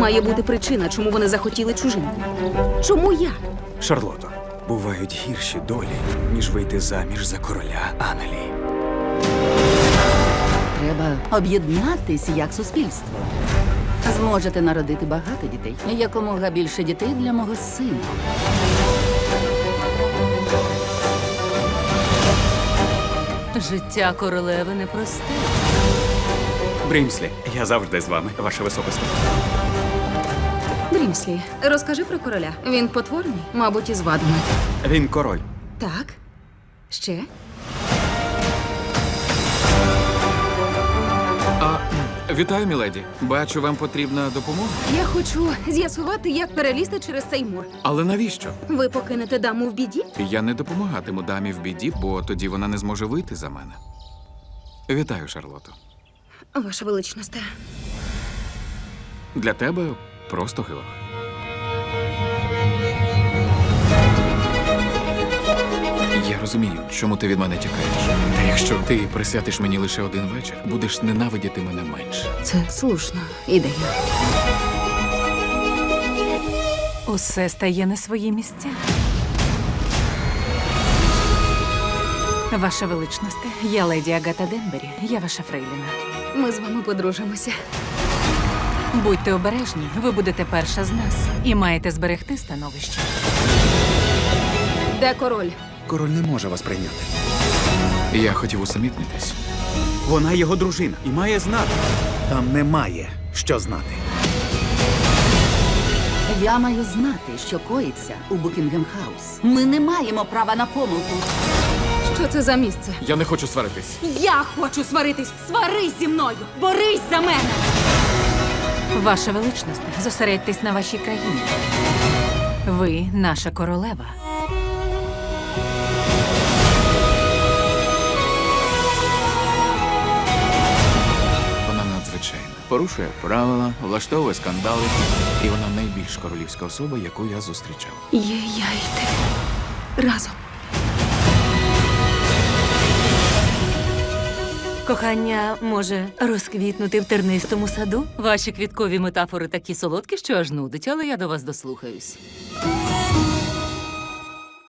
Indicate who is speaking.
Speaker 1: Має бути причина, чому вони захотіли чужинку. Чому я?
Speaker 2: Шарлото, бувають гірші долі, ніж вийти заміж за короля Англії.
Speaker 3: Треба об'єднатись як суспільство. Зможете народити багато дітей. Якомога більше дітей для мого сина.
Speaker 4: Життя королеви непросте.
Speaker 2: Брімслі, я завжди з вами, ваше високосте.
Speaker 1: Брімслі, розкажи про короля. Він потворний, мабуть, із вадами.
Speaker 2: Він король.
Speaker 1: Так. Ще?
Speaker 5: Вітаю, міледі. Бачу, вам потрібна допомога.
Speaker 1: Я хочу з'ясувати, як перелізти через цей мур.
Speaker 5: Але навіщо?
Speaker 1: Ви покинете даму в біді?
Speaker 5: Я не допомагатиму дамі в біді, бо тоді вона не зможе вийти за мене. Вітаю, Шарлото.
Speaker 1: Ваша величність.
Speaker 5: Для тебе просто гилок. Я розумію, чому ти від мене тікаєш. Та якщо ти присвятиш мені лише один вечір, будеш ненавидіти мене менше.
Speaker 1: Це слушна ідея.
Speaker 4: Усе стає на свої місця. Ваша величність, я леді Агата Денбері, я ваша фрейліна.
Speaker 1: Ми з вами подружимося.
Speaker 4: Будьте обережні, ви будете перша з нас і маєте зберегти становище.
Speaker 1: Де король?
Speaker 2: Король не може вас прийняти.
Speaker 5: Я хотів усамітнитись.
Speaker 2: Вона його дружина і має знати.
Speaker 6: Там немає що знати.
Speaker 3: Я маю знати, що коїться у Букінгем-хаус. Ми не маємо права на помилку.
Speaker 1: Що це за місце?
Speaker 5: Я не хочу сваритись.
Speaker 1: Я хочу сваритись! Сварись зі мною! Борись за мене!
Speaker 4: Ваша величність, зосередьтесь на вашій країні. Ви наша королева.
Speaker 5: Вона надзвичайна. Порушує правила, влаштовує скандали. І вона найбільш королівська особа, яку я зустрічав.
Speaker 1: Є я і ти. Разом.
Speaker 4: Кохання може розквітнути в тернистому саду? Ваші квіткові метафори такі солодкі, що аж нудить, але я до вас дослухаюсь.